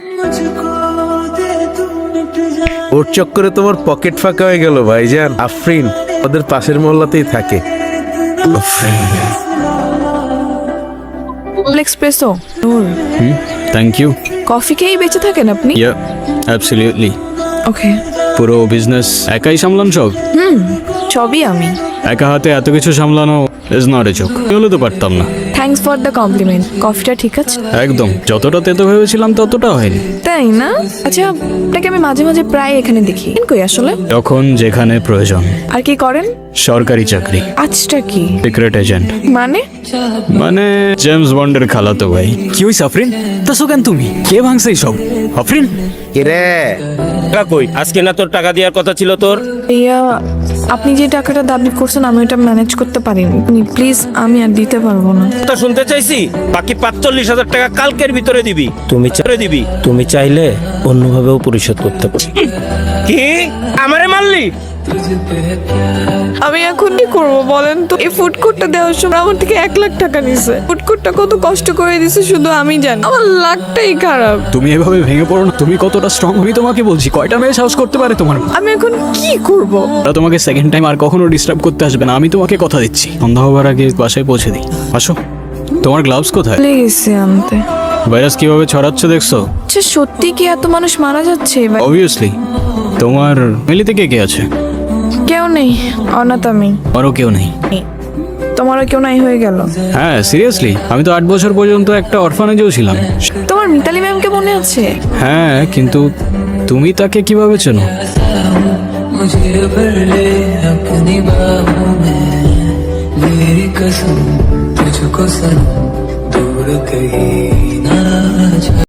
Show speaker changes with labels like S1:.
S1: ওর চক্করে তোমার পকেট ফাঁকা হয়ে গেল ভাইজান। আফরিন ওদের পাশের মহল্লাতেই থাকে।
S2: Espresso Noor,
S3: thank you.
S2: Coffee খেয়েই বেঁচে থাকেন আপনি?
S3: Yeah absolutely.
S2: ওকে।
S3: পুরো বিজনেস একাই সামলান সব?
S2: সবই আমি।
S3: একা হাতে এত কিছু সামলানো ইজ নট এ জোক। হলে তো পারতাম না।
S2: Thanks for the compliment. কফিটা ঠিক আছে?
S3: একদম, যতটা তেতো ভেবেছিলাম ততটা হয়নি।
S2: তাই না? আচ্ছা, আপনাকে আমি মাঝে মাঝে প্রায় এখানে দেখি। কই আসলে?
S3: যখন যেখানে প্রয়োজন।
S2: আর কি করেন?
S3: সরকারি চাকরি,
S2: আজটা কি?
S3: Secret agent.
S2: মানে
S3: জেমস বন্ডের খালাতো ভাই।
S4: কি হইছে আফরিন? তাসো কেন তুমি? কে ভাঙছে সব? আফরিন
S1: কিরে
S5: টাকা কই? আজকে না তোর টাকা দেওয়ার কথা ছিল তোর?
S2: ইয়া, আপনি যে টাকাটা দাবি করছেন আমি ওটা ম্যানেজ করতে পারিনি। প্লিজ, আমি আর দিতে পারবো না।
S5: কথা শুনতে চাইছি। বাকি ৪৫,০০০ টাকা কালকের ভিতরে দিবি। তুমি চাইলে অন্যভাবেও পরিশোধ করতে পারো। কি আমারে মারলি?
S2: আমি এখন কি করবো বলেন তো? এই ফুড কোর্টটা দেওয়ার সময় আমার থেকে 1,00,000 টাকা নিছে। ফুড কোর্টটা কত কষ্ট করে দিছে শুধু আমি জানি। আমার লাকটাই খারাপ।
S3: তুমি এভাবে ভেঙে পড়ো না। তুমি কতটা স্ট্রং আমি তোমাকে বলছি। কয়টা মেয়ে সাহস করতে পারে তোমার?
S2: আমি এখন কি করব?
S3: ওরা তোমাকে সেকেন্ড টাইম আর কখনো ডিস্টার্ব করতে আসবে না, আমি তোমাকে কথা দিচ্ছি। সন্ধ্যা হবার আগে বাসায় পৌঁছে দিই। আসো। তোমার গ্লাভস কোথায়?
S2: প্লিজ আনতে।
S3: ভাইরাস কিভাবে ছড়াচ্ছে দেখছো?
S2: আচ্ছা, সত্যি কি এত মানুষ মারা যাচ্ছে এবার?
S3: অবভিয়াসলি। তোমার ফ্যামিলিতে কে কে আছে?
S2: কেউ নেই, অনাথ আমি।
S3: আরও কেউ নেই?
S2: তোমারও কেউ নাই হয়ে গেল?
S3: হ্যাঁ সিরিয়াসলি, আমি তো 8 বছর পর্যন্ত একটা অরফানেজেও ছিলাম।
S2: তোমার মিতালি ম্যামকে মনে আছে?
S3: হ্যাঁ, কিন্তু তুমি তাকে কিভাবে চেনো?
S6: मुझे भर ले अपनी बाहों में, मेरी कसम तुझको सनम, दूर कहीं ना जा।